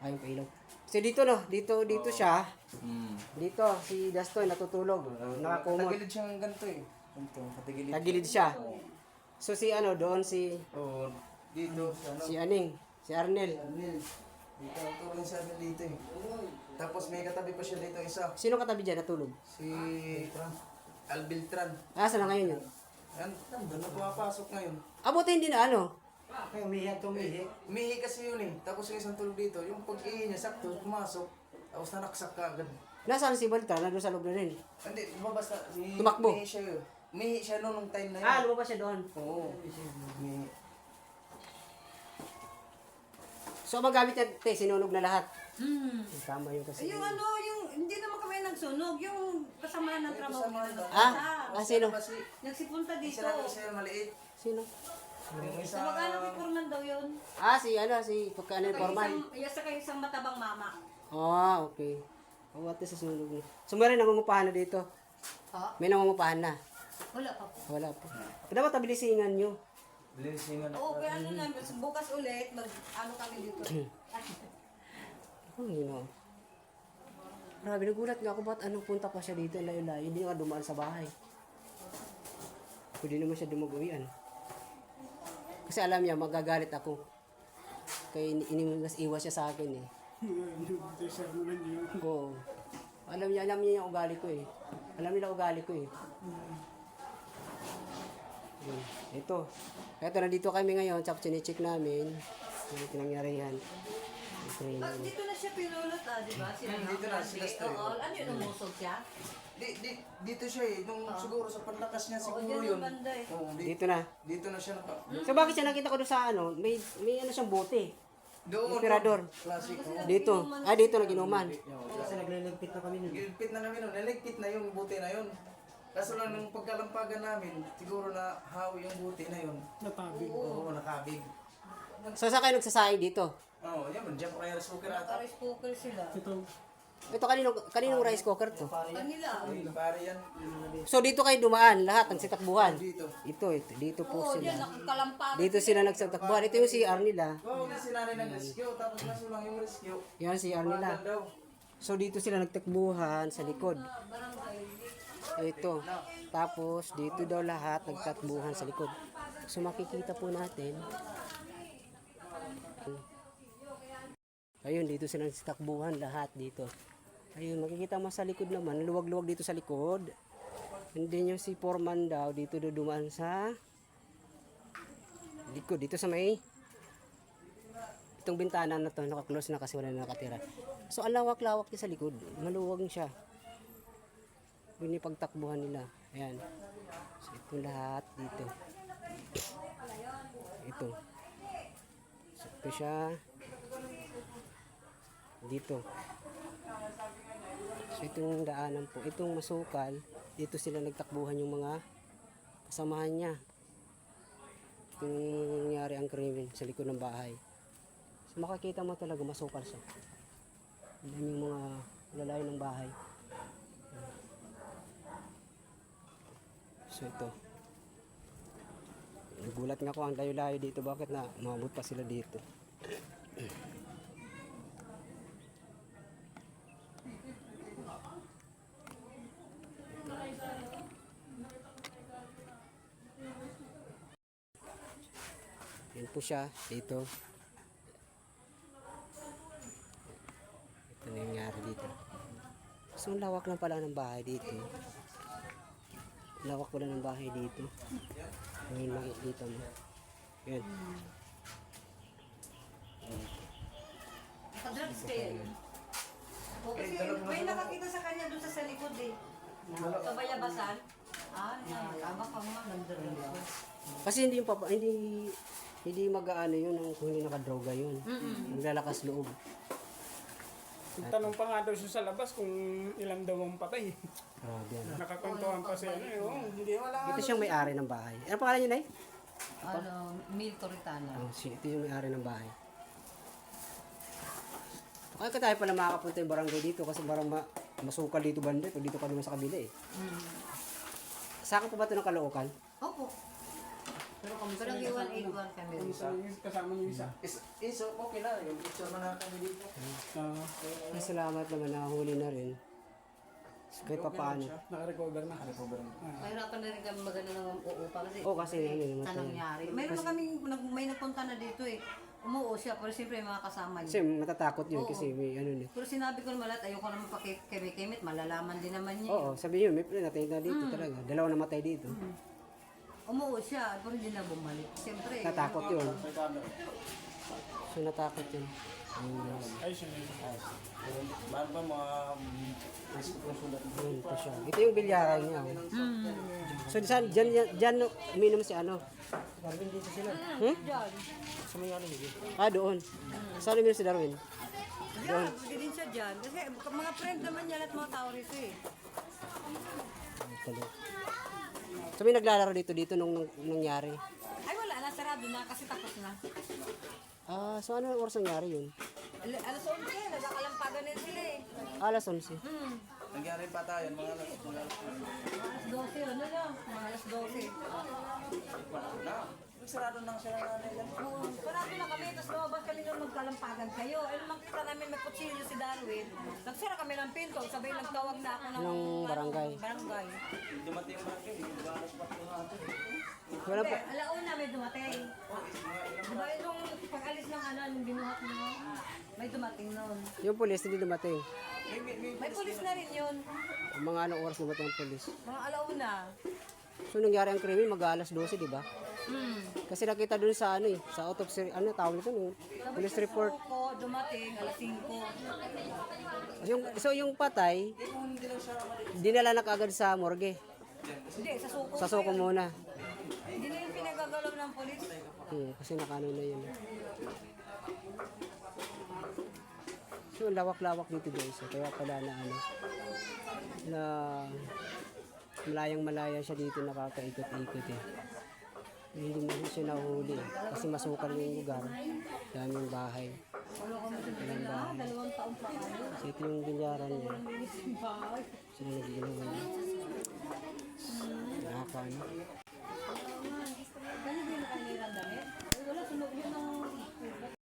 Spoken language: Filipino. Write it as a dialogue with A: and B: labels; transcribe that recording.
A: Ayaw pa ilaw. So dito no, dito siya. Dito si Dastoy natutulog. Nakakumot.
B: Tagilid siya ng ganito eh. Ganito, patagilid.
A: Tagilid siya. So si ano doon
B: Oo, dito.
A: si Aning, si Arnel.
B: Dito, tulong siya dito eh. Tapos may katabi pa siya dito isa.
A: Sino katabi diyan natulog?
B: Si Albiltran.
A: Saan na ngayon yun?
B: Yan, doon na pumapasok ngayon.
A: Abuti hindi na ano.
C: Ay, umihi.
B: Umihi kasi yun eh. Tapos yung isang tulog dito, yung pag-ihi niya, sakto, pumasok. Tapos nanaksak ka agad.
A: Nasaan si Balta? Nandun sa loob na rin.
B: Hindi, lumabas na.
A: Tumakbo.
B: Umihi siya yun. Umihi siya noong time na yun.
A: Lumabas siya doon.
B: Oo. Umihi.
A: So magamit niya, sinunog na lahat. Tama yun kasi.
D: Yung ano, yung hindi naman kami nagsunog, yung kasama ng trabaho
B: kasama
D: nila.
A: Ah, sino?
B: Kasi,
D: Nagsipunta dito.
B: isa lang isa maliit.
A: Sino?
B: Yung isa,
D: Sa mag-anak ni Furman daw yun.
A: Si Pagkano Forman.
D: Saka isang matabang mama.
A: Okay. At sa sunog niya. So meron nangungupahan na dito.
D: Ha?
A: May nangungupahan na.
D: Wala pa po.
A: Wala pa. Dapat tabilisingan nyo.
B: Blessing na.
D: Oo, kaya ano na, bukas ulit, ano kami dito.
A: Grabe, nagulat nga ako ba't anong punta pa siya dito, layo-layo, hindi nga dumaan sa bahay. Pwede naman siya dumag-uwian. Kasi alam niya, magagalit ako. Kaya iwas siya sa akin eh. Oo. Alam niya yung ugali ko eh. Alam nila ugali ko eh. Ito. Ito, nandito kami ngayon, tapos chinecheck namin. Yung pinangyarihan.
D: Dito na siya pinulot di ba?
B: Dito na, sila story.
D: Oo, ano yun, umusog siya?
B: Dito siya eh. Nung siguro sa panlakas niya siguro
D: dyan
B: yun.
D: yung banda eh.
B: Oo,
A: Dito na.
B: Dito na siya naka...
A: So bakit siya nakita ko doon sa ano, may ano siyang bote.
B: Doon.
A: Emperador.
B: Classic.
A: Dito. Dito na ginuman.
C: Kasi nagliligpit na kami nun.
B: Gilpit na namin nun. Naligpit na yung buti na yun. Kaso lang nung pagkalampagan namin, siguro na hawi yung buti na yun.
C: Natabig.
B: Oo, nakabig.
A: So saan kayo nagsasaing dito?
B: Oo, yan. Diyan pa kaya rice cooker ata.
D: Rice cooker sila.
A: Ito kaninong rice cooker to?
D: Kanila.
B: Pare yan.
A: So dito kayo dumaan, lahat ng sitakbuhan.
B: Dito.
A: Dito po
D: Oo,
A: sila.
D: dyan, nakakalampagan.
A: Dito sila nagsitakbuhan. Ito yung si Arnila.
B: Oo, oh, sinanay ng rescue. Tapos kaso lang yung rescue.
A: Yan si Arnila.
B: Daw.
A: So dito sila nagtakbuhan sa likod. Ito. Tapos dito daw lahat nagtakbuhan sa likod. So makikita po natin. Ayun, dito sila nagtakbuhan lahat dito. Ayun, makikita mo sa likod naman, luwag-luwag dito sa likod. And then yung si Foreman daw, dito dumaan sa likod, dito sa may itong bintana na to, naka-close na kasi wala na nakatira. So, ang lawak-lawak niya sa likod, maluwag siya. Yun yung pagtakbuhan nila. Ayan. So, ito lahat dito. Ito. So, ito siya. Dito. So, itong daanan po. Itong masukal, dito sila nagtakbuhan yung mga kasamahan niya. Ito yung nangyari ang krimen sa likod ng bahay. So, makikita mo talaga masukal siya. Ang daming mga lalayo ng bahay. So, ito. Nagulat nga ako ang layo-layo dito. Bakit na umabot pa sila dito? Yan po siya dito. Ito na yung nangyari dito. So, ang lawak lang pala ng bahay dito. Lawak pala ng bahay dito. Ngayon makikita mo. Yan.
D: Naka-drugs kayo yun. O, kasi may nakakita sa kanya doon sa likod eh. Sa bayabasan. Tama ka nga, nagdrugs.
A: Kasi hindi yung hindi mag-aano yun kung hindi nakadroga yun. Maglalakas loob.
C: Tanong pa nga daw siya sa labas kung ilan daw ang patay.
A: Grabe yan.
C: Nakakwentuhan pa siya. Hindi wala.
A: Ito siyang may-ari ng bahay. Ano pangalan niya, Nay?
D: Mil Toritana.
A: Ito yung may-ari ng bahay. Kaya ka tayo pala makakapunta yung barangay dito kasi parang masukal dito banda. Pag dito ka naman sa kabila eh. Saan po ba ito ng Caloocan?
D: Opo.
C: Pero kami
D: Parang 181 kami.
C: kasama yung isa.
B: Iso, okay na. Yung picture na kami dito.
C: Ah,
A: Salamat naman, nakahuli na rin. So, kahit pa paano.
C: naka-recover na.
D: Mahirapan na rin kami magano ng uupa kasi
A: Oo, kasi ano naman
D: sa nangyari. Mayroon na kami, may nagpunta na dito eh. Umuo siya, pero siyempre may mga kasama
A: Kasi
D: niya.
A: matatakot yun kasi may ano na.
D: Pero sinabi ko naman lahat, ayoko naman pakikimit, malalaman din naman niya.
A: Oo, sabi yun, may natay na dito talaga. Dalawa namatay dito.
D: Umuo siya, pero hindi na bumalik. Siyempre,
A: Natakot yun. So natakot yun.
C: Ay, siya na yun.
B: Mahal pa mga...
A: Yun pa siya. Ito yung bilyaran niya. So dyan uminom si ano? Darwin dito sila. Hmm?
D: Diyan.
A: Sa may ano dito? Ah, doon. Saan uminom si Darwin?
D: Diyan, pwede din siya dyan. Kasi mga friend naman niya at mga tao rito eh.
A: Talo. So may naglalaro dito nung nangyari.
D: Ay wala na, sarado na kasi tapos na.
A: Ah, so ano oras nangyari yun?
D: Alas 11, nagkakalampagan din sila eh.
A: Alas 11.
B: Nangyari pa tayo, mga
D: Alas 12, ano na? Mga alas 12.
B: na. Sarado nang sila nanay lang.
D: Oo, parado na kami, tapos lumabas kami nung magkalampagan kayo. Eh, nung makita namin may kutsilyo si Darwin, nagsara kami ng pinto, sabay nagtawag na ako ng
A: barangay.
D: barangay.
B: Dumating yung barangay, alas 4 natin.
A: Wala
D: Hindi,
A: pa.
D: alauna may dumating. Diba yung pag-alis ng ano, yung binuhat mo, may dumating noon.
A: Yung pulis hindi dumating.
D: May pulis na rin yun.
A: Mga anong oras dumating ang pulis?
D: Mga alauna.
A: So nangyari ang krimen mag-alas 12, di ba?
D: Hmm.
A: Kasi nakita doon sa ano eh, sa autopsy, ano tawag nito no? Police report.
D: Ko, dumating, alas 5.
A: Yung patay, dinala na kaagad sa morgue.
D: Hindi, sa suko.
A: Sa suko muna.
D: Hindi na yung pinagagalaw ng polis.
A: Kasi nakano na yun. So lawak-lawak dito guys. Kaya pala na ano, na malayang-malaya siya dito nakakaikot-ikot eh. Hindi mo siya nahuli eh. Kasi masukal yung lugar. Daming bahay. Daming bahay.
D: 2 taon pa kayo.
A: So ito yung binyaran niya.
D: Yung bahay.
A: Sila nagiginawa niya. Nakakaano.
D: Ganyan din na kayo damit? Wala, sunog yun ng